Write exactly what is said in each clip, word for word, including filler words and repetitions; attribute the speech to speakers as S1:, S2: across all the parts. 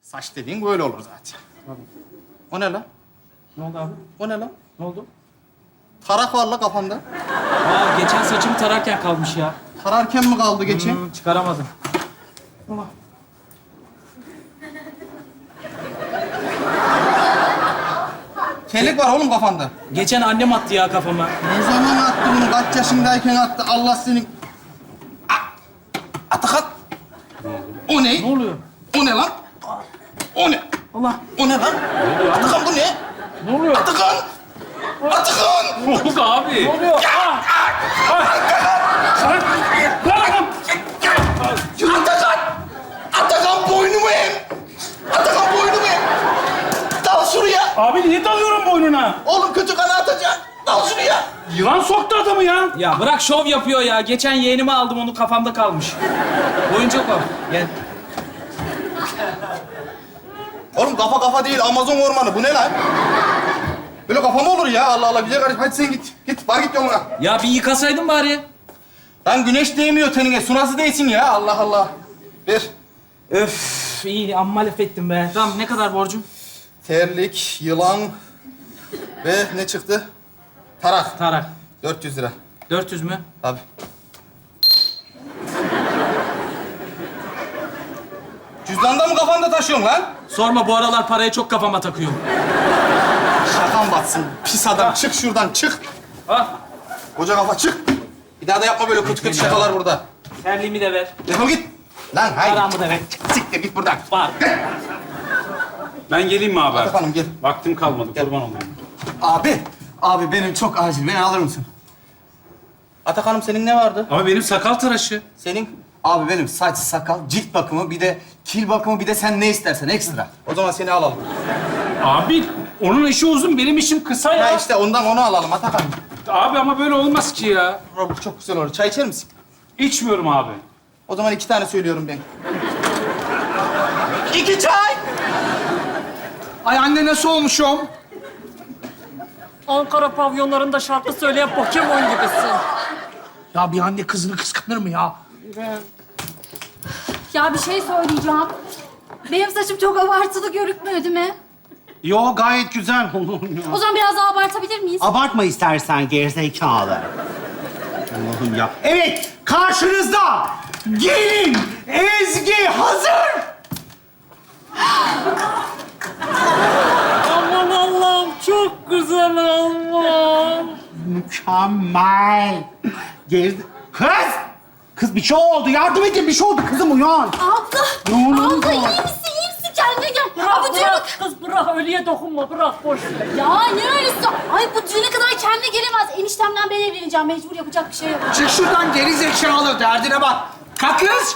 S1: Saç dediğin böyle olur zaten. O ne lan?
S2: Ne oldu abi?
S1: O ne lan?
S2: Ne oldu?
S1: Tarak var la kafanda.
S2: Aa, geçen saçımı tararken kalmış ya.
S1: Tararken mi kaldı geçen?
S2: Hmm, çıkaramadım.
S1: Telik var oğlum kafanda.
S2: Geçen annem attı ya kafama.
S1: Ne zaman attı bunu? Kaç yaşındayken attı? Allah seni... A- Atakat. O ne?
S2: Ne oluyor?
S1: O ne lan? O ne?
S2: Allah.
S1: O ne lan? Atakan bu ne?
S2: Ne oluyor?
S1: Atakan! Atakan!
S2: Ne oldu abi? Ne oluyor?
S1: Atakan! Atakan boynumu em! Atakan boynumu em! Dal şuraya!
S3: Abi niye dalıyorum boynuna?
S1: Oğlum kötü kanı atacak. Dal şuraya!
S3: Yılan soktu adamı ya.
S2: Ya bırak şov yapıyor ya. Geçen yeğenimi aldım, onu kafamda kalmış. Oyuncak o. Gel.
S1: Oğlum kafa kafa değil, Amazon ormanı. Bu ne lan? Böyle kafa mı olur ya? Allah Allah, güzel kardeşim. Hadi sen git. Git, var git yoluna.
S2: Ya bir yıkasaydın bari.
S1: Lan güneş değmiyor tenine. Su nasıl değsin ya? Allah Allah. Ver.
S2: Öf, iyi amma laf ettim be. Tamam, ne kadar borcum?
S1: Terlik, yılan ve ne çıktı? Tarak.
S2: Tarak.
S1: dört yüz lira.
S2: dört yüz mü?
S1: Tabii. Cüzdanda mı kafanda taşıyorsun lan?
S2: Sorma, bu aralar parayı çok kafama takıyorum.
S1: Şakan batsın. Pis adam. Çık şuradan, çık.
S2: Ah,
S1: Koca kafa çık. Bir daha da yapma böyle kötü kötü şakalar burada.
S2: terliğimi de ver.
S1: Defol git. Lan hayır.
S2: Paramı da ver.
S1: Siktir git buradan.
S2: Var.
S3: Ben geleyim mi abi?
S1: Efendim gel.
S3: Vaktim kalmadı, kurban olayım.
S4: Abi, abi benim çok acil. Beni alır mısın?
S1: Atakan'ım senin ne vardı?
S3: Ama benim sakal tıraşı.
S1: Senin?
S4: Abi benim saç, sakal, cilt bakımı, bir de kil bakımı, bir de sen ne istersen ekstra.
S1: O zaman seni alalım.
S3: Abi onun işi uzun, benim işim kısa ya.
S1: Ya işte ondan onu alalım Atakan.
S3: Abi ama böyle olmaz ki ya.
S1: Robert çok güzel olur. Çay içer misin?
S3: İçmiyorum abi.
S1: O zaman iki tane söylüyorum ben. İki çay!
S4: Ay anne nasıl olmuşum?
S5: Ankara pavyonlarında şarkı söyleyen Pokemon gibisin.
S4: Ya bir anne kızını kıskanır mı ya?
S6: Ya bir şey söyleyeceğim. Benim saçım çok abartılı görünmüyor değil mi?
S7: Yo gayet güzel.
S6: O zaman biraz daha abartabilir miyiz?
S7: Abartma istersen gerizekalı. Allah'ım ya. Evet, karşınızda gelin Ezgi hazır.
S5: Aman Allah'ım çok güzel olmuş.
S7: Mükemmel. Geri... Kız! Kız bir şey oldu. Yardım edin. Bir şey oldu. Kızım uyan.
S6: Abla!
S7: Ne oluyor?
S6: Abla iyi misin? İyi misin? Kendine gel.
S5: Bırak,
S6: Aa, bu düğüne...
S5: bırak kız bırak, ölüye dokunma, bırak boş ver.
S6: Ya ne öylesi? Ay bu düğüne kadar kendine gelemez. Eniştemden ben evleneceğim. Mecbur yapacak bir şey yok.
S4: Çık şuradan geri zekalı. Derdine bak. Kalk kız.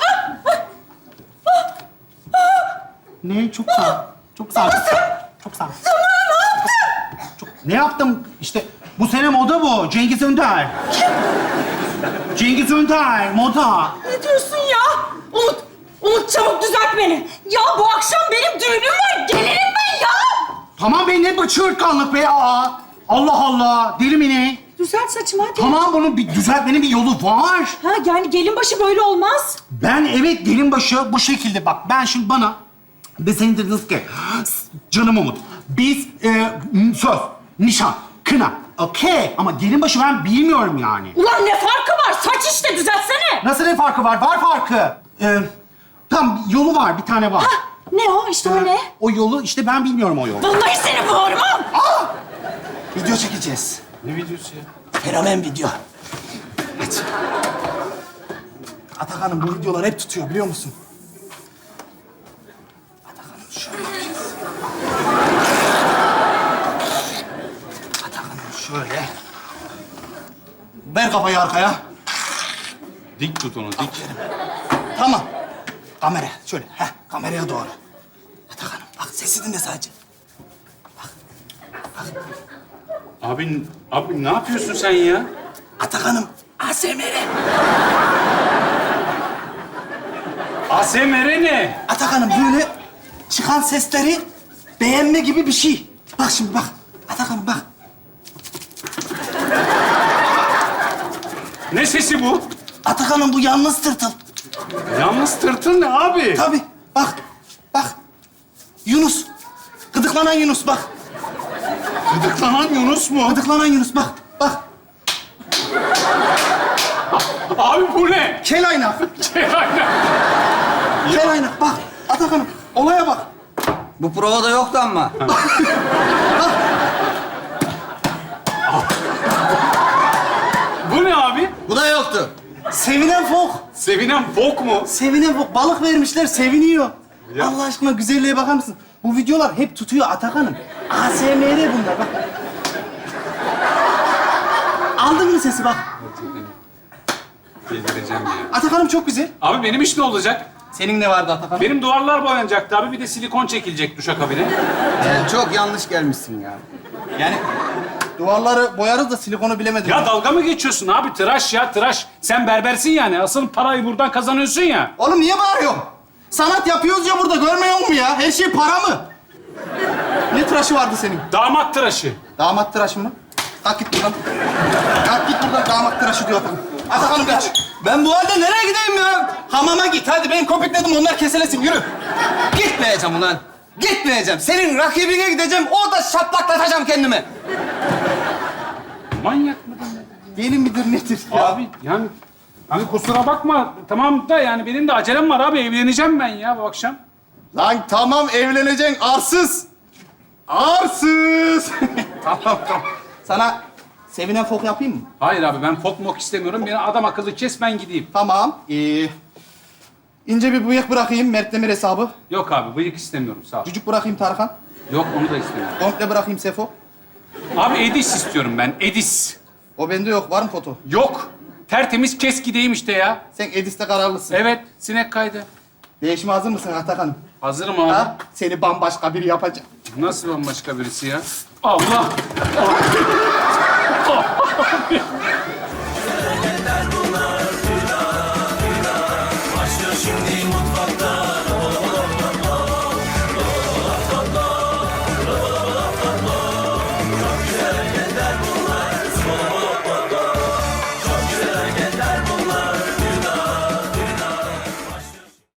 S7: Ne? Çok sağ ol. Çok sağ ol. Çok sağ ol. Çok... Ne yaptım? İşte bu sene moda bu. Cengiz Önder. Cengiz Önder, moda.
S5: Ne diyorsun ya? Umut, Umut çabuk düzelt beni. Ya bu akşam benim düğünüm var. Gelirim ben ya.
S7: Tamam be, ne bu çığırtkanlık be? Aa, Allah Allah. Deli mi ne?
S5: Düzelt saçımı hadi.
S7: Tamam, bunun bir düzeltmenin bir yolu var.
S5: Ha yani gelin başı böyle olmaz.
S7: Ben evet gelin başı bu şekilde bak. Ben şimdi bana deseydin dediniz ki canım Umut biz e, söz, nişan, kına okey ama gelin başı ben bilmiyorum yani.
S5: Ulan ne farkı var? Saç işte düzeltsene.
S7: Nasıl ne farkı var? Var farkı. E, tam yolu var, bir tane var.
S5: Ne o? İşte o ne?
S7: O yolu işte ben bilmiyorum o yolu.
S5: Vallahi seni boğurmam.
S4: Video çekeceğiz.
S3: Ne videosu ya?
S4: Fenomen video.
S1: Atakan'ım bu videolar hep tutuyor biliyor musun? Atakan'ım şöyle yapacağız. Atakan'ım şöyle. Ver kafayı arkaya.
S3: Dik tut onu, dik.
S1: Tamam. Kamera şöyle. Heh, kameraya doğru. Atakan'ım bak sesi dinle sadece.
S3: Abi, abi ne yapıyorsun sen ya?
S1: Atakan'ım A S M R.
S3: A S M R ne?
S1: Atakan'ım böyle çıkan sesleri beğenme gibi bir şey. Bak şimdi bak. Atakan'ım bak.
S3: Ne sesi bu?
S1: Atakan'ım bu yalnız tırtıl.
S3: Yalnız tırtıl ne abi?
S1: Tabii. Bak. Bak. Yunus. Gıdıklanan Yunus bak.
S3: Gıdıklanan Yunus mu?
S1: Gıdıklanan Yunus bak. Bak.
S3: Abi bu ne?
S1: Kel aynak.
S3: Şey, aynen.
S1: Kel aynak bak. Atakan'ım olaya bak.
S4: Bu provada yoktu ama.
S3: Bu ne abi?
S4: Bu da yoktu.
S1: Sevinen fok.
S3: Sevinen bok mu?
S1: Sevinen fok. Balık vermişler seviniyor. Allah aşkına güzelliğe bakar mısın? Bu videolar hep tutuyor Atakan'ım. A S M R bunlar bak. Aldın mı sesi bak.
S3: Delireceğim ya.
S1: Atakan'ım çok güzel.
S3: Abi benim iş ne olacak?
S1: Senin ne vardı Atakan?
S3: Benim duvarlar boyanacaktı abi. Bir de silikon çekilecek duşakabine.
S4: Sen çok yanlış gelmişsin ya.
S1: Yani duvarları boyarız da silikonu bilemedim.
S3: Ya dalga mı geçiyorsun abi? Tıraş ya tıraş. Sen berbersin yani. Asıl parayı buradan kazanıyorsun ya.
S1: Oğlum niye bağırıyorsun? Sanat yapıyoruz ya burada, görmüyor musun ya? Her şey para mı? Ne tıraşı vardı senin?
S3: Damat tıraşı.
S1: Damat tıraşı mı? Kalk git buradan. Kalk git buradan, damat tıraşı diyor Atakan. Atakan'ım kaç.
S4: Ben bu halde nereye gideyim ya?
S1: Hamama git hadi, ben köpükledim onlar keselesin, yürü.
S4: Gitmeyeceğim ulan. Gitmeyeceğim. Senin rakibine gideceğim. Orada şaplaklatacağım kendimi.
S3: Manyak mı?
S1: Gelin midir nedir ya?
S3: Abi yani... Hani kusura bakma. Tamam da yani benim de acelem var abi. Evleneceğim ben ya bu akşam.
S1: Lan tamam evleneceksin arsız. Arsız. Tamam tamam. Sana sevinen fok yapayım mı?
S3: Hayır abi ben fok mok istemiyorum. Beni adam akıllı kes ben gideyim.
S1: Tamam. Ee, ince bir bıyık bırakayım, Mert Demir hesabı.
S3: Yok abi bıyık istemiyorum sağ ol.
S1: Cücük bırakayım Tarkan.
S3: Yok onu da istemiyorum.
S1: Komple bırakayım Sefo.
S3: Abi Edis istiyorum ben. Edis.
S1: O bende yok. Var mı foto?
S3: Yok. Tertemiz kes gideyim işte ya.
S1: Sen Edis'te kararlısın.
S3: Evet sinek kaydı.
S1: Değişime hazır mısın Atakan'ım?
S3: Hazırım abi.
S1: Ha? Seni bambaşka biri yapacak.
S3: Nasıl bambaşka birisi ya? Allah! Ah!